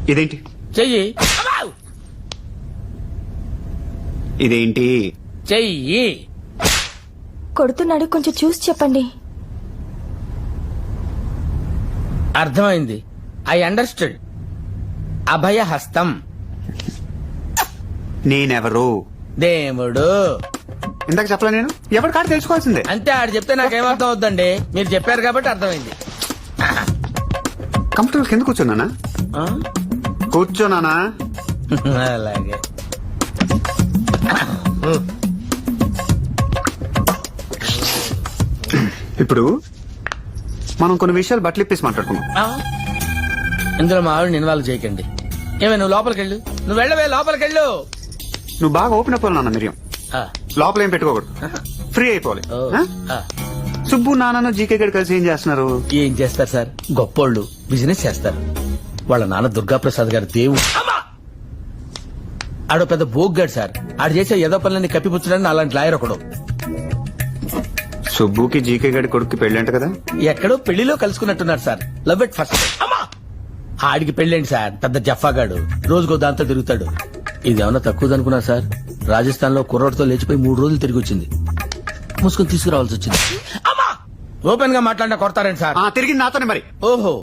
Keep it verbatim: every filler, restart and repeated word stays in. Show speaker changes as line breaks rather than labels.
ఇదేంటి
చెయ్యి.
ఇదేంటి
చెయ్యి.
కొడుతున్నాడు, కొంచెం చూసి చెప్పండి.
అర్థమైంది. I understood. అభయ హస్తం.
నేనెవరు?
దేవుడు.
ఇందాక చెప్పలే నేను ఎవరి కాదు తెలుసుకోవాల్సిందే.
అంతే, ఆడు చెప్తే నాకేమర్థం అవుద్దండి. మీరు చెప్పారు కాబట్టి అర్థమైంది.
కంఫర్టబుల్ కింద కూర్చోనానా?
ఆ?
కూర్చోనానా?
అలాగే.
ఇప్పుడు మనం కొన్ని విషయాలు బట్టలు ఇప్పేసి మాట్లాడుకున్నాం.
ఆ? ఇందులో మా ఆవిడని ఇన్వాల్వ్ చేయకండి. ఏమే, నువ్వు లోపలికెళ్ళు. నువ్వు వెళ్ళవే, లోపలికెళ్ళు.
నువ్వు బాగా ఓపెన్ అయిపోవాలి నాన్న. మిరియం
ఆ.
లోపల ఏం పెట్టుకోకూడదు, ఫ్రీ అయిపోవాలి.
ఓ.
ఆ?
ఆ.
సుబ్బు నాన్న జీకే గడి కలిసి ఏం చేస్తున్నారు?
ఏం చేస్తారు సార్, గొప్పోళ్ళు బిజినెస్ చేస్తారు. వాళ్ళ నాన్న దుర్గాప్రసాద్ గారు దేవుడు. ఆడో పెద్ద బోగ్గాడు సార్. ఆడు చేసే ఏదో పనులని కప్పిపుచ్చడానికి అలాంటి లాయర్ ఒకడు.
సుబ్బుకి జీకే గడి కొడుక్కి పెళ్ళంట కదా?
ఎక్కడో పెళ్లిలో కలుసుకున్నట్టున్నారు సార్. Love at first. ఆడికి పెళ్ళేంటి సార్, పెద్ద జఫాగాడు. రోజుకో దాంతో తిరుగుతాడు. ఇదేమన్నా తక్కువదనుకున్నా సార్. రాజస్థాన్ లో కుర్రోడ్తో లేచిపోయి మూడు రోజులు తిరిగి వచ్చింది. ముసుగుని తీసుకురావాల్సి వచ్చింది. ఓపెన్ గా మాట్లాడినా కొడతారండి సార్.
తిరిగి నాతోనే మరి.
ఓహో,